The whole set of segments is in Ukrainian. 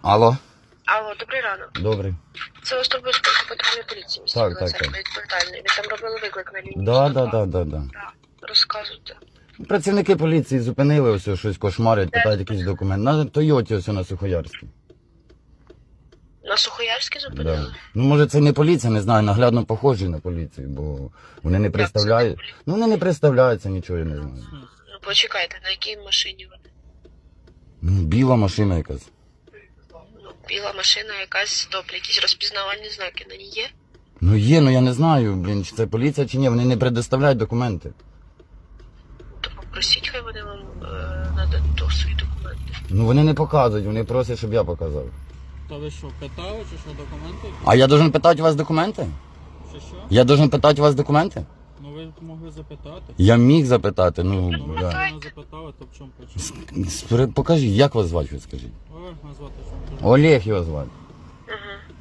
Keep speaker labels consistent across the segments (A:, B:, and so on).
A: Алло.
B: Алло, добрий ранок.
A: Добрий.
B: Це вас турбує спілка патрульної поліції міста
A: Так,
B: Біла
A: так,
B: Церква, відповідальний. Ви там робили виклик на лінії?
A: Да.
B: Так, розказуйте.
A: Працівники поліції зупинили ось щось кошмарять, питають якийсь документ. На Тойоті ось на Сухоярській.
B: На Сухоярській зупинили?
A: Да. Ну, може, це не поліція, не знаю, наглядно похожі на поліцію, бо вони не представляють. Ну, вони не представляються, нічого я не знаю.
B: Ну, почекайте, на якій машині вони?
A: Ну, біла машина якась.
B: Ну, біла машина якась, добре, якісь розпізнавальні знаки на ній є?
A: Ну є, ну я не знаю, блін, чи це поліція, чи ні, вони не предоставляють документи.
B: То попросіть, хай вони вам нададуть свої документи.
A: Ну вони не показують, вони просять, щоб я показав.
C: Та ви що, питали, чи що документи?
A: А я должен питати у вас документи?
C: Чи що?
A: Я должен питати у вас документи?
C: Ну ви могли запитати.
A: Я міг запитати,
C: Ну
A: ну,
C: ви
A: да.
C: не запитали, то в чому причина?
A: Покажіть, як вас звати, ви скажіть?
C: Олег назвати, що кажу.
A: Олег його звати.
B: Угу.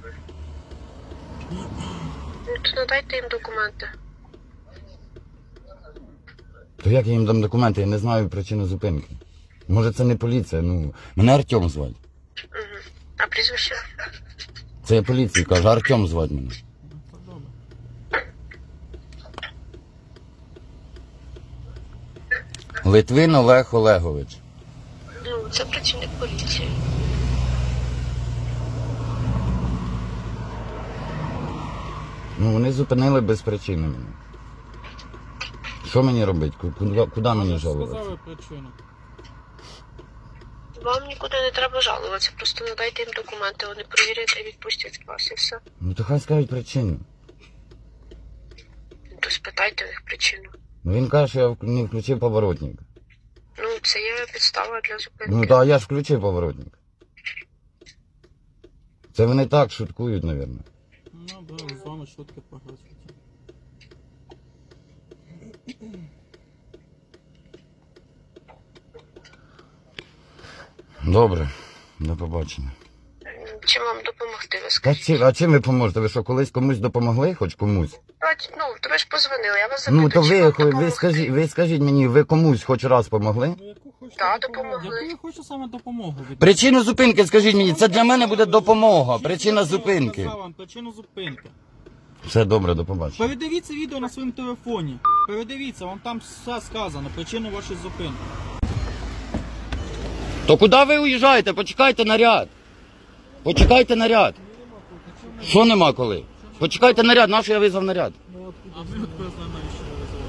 B: Ну, то надайте їм документи.
A: То як я їм дам документи, я не знаю причину зупинки. Може це не поліція, ну, мене Артем звати.
B: Угу. А прізвище?
A: Це я поліції кажу, Артем звати мене.
C: Ну, то добре.
A: Литвин Олег Олегович.
B: Ну, це працівник поліції.
A: Ну вони зупинили без причини мене. Що мені робити? Куди мені жалуватися?
C: Сказали причину.
B: Вам нікуди не треба жалуватися, просто надайте їм документи, вони перевірять і відпустять вас і все.
A: Ну то хай скажуть причину.
B: Ну, то спитайте у них причину.
A: Ну він каже, що я не включив поворотник.
B: Ну, це є підстава для зупинки.
A: Ну та я ж включив поворотник. Це вони так шуткують, мабуть.
C: Ну, добре, з вами шутки погрозити.
A: Добре, до побачення.
B: Чим вам допомогти, ви скажіть?
A: А чим ви поможете? Ви що, колись комусь допомогли, хоч комусь?
B: Ну, то ви ж позвонили, я вас запитую,
A: Ну то
B: чим вам допомогти?
A: ви скажіть мені, ви комусь хоч раз помогли?
C: Ну, яку хочете
B: Так,
C: допомогу?
B: допомогли.
C: Яку я хочу саме допомогу від
A: Причину зупинки скажіть мені, це для мене буде допомога. Причина
C: Я
A: зупинки.
C: сказав вам причину зупинки.
A: Все добре, до побачення.
C: Передивіться відео на своєму телефоні. Передивіться, вам там все сказано, причину вашої зупинки.
A: То куди ви уїжджаєте? Почекайте наряд. Почекайте наряд. Що нема коли? Почекайте наряд, нащо я визвав наряд?
C: А ми от знаємо, що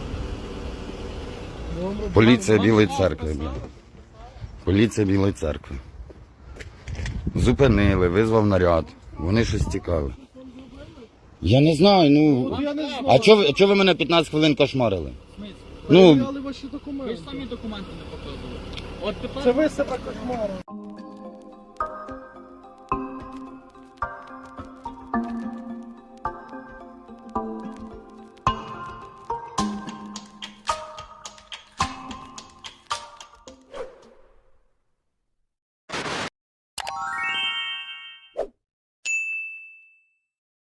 C: ви визивали.
A: Поліція Білої церкви. Поліція Білої церкви. Зупинили, визвав наряд. Вони щось цікаве. Я не знаю, ну. А чого ви мене 15 хвилин кошмарили? Ну,
C: Ви ж самі документи не показували. От тепер...
D: Це ви себе кошмарили.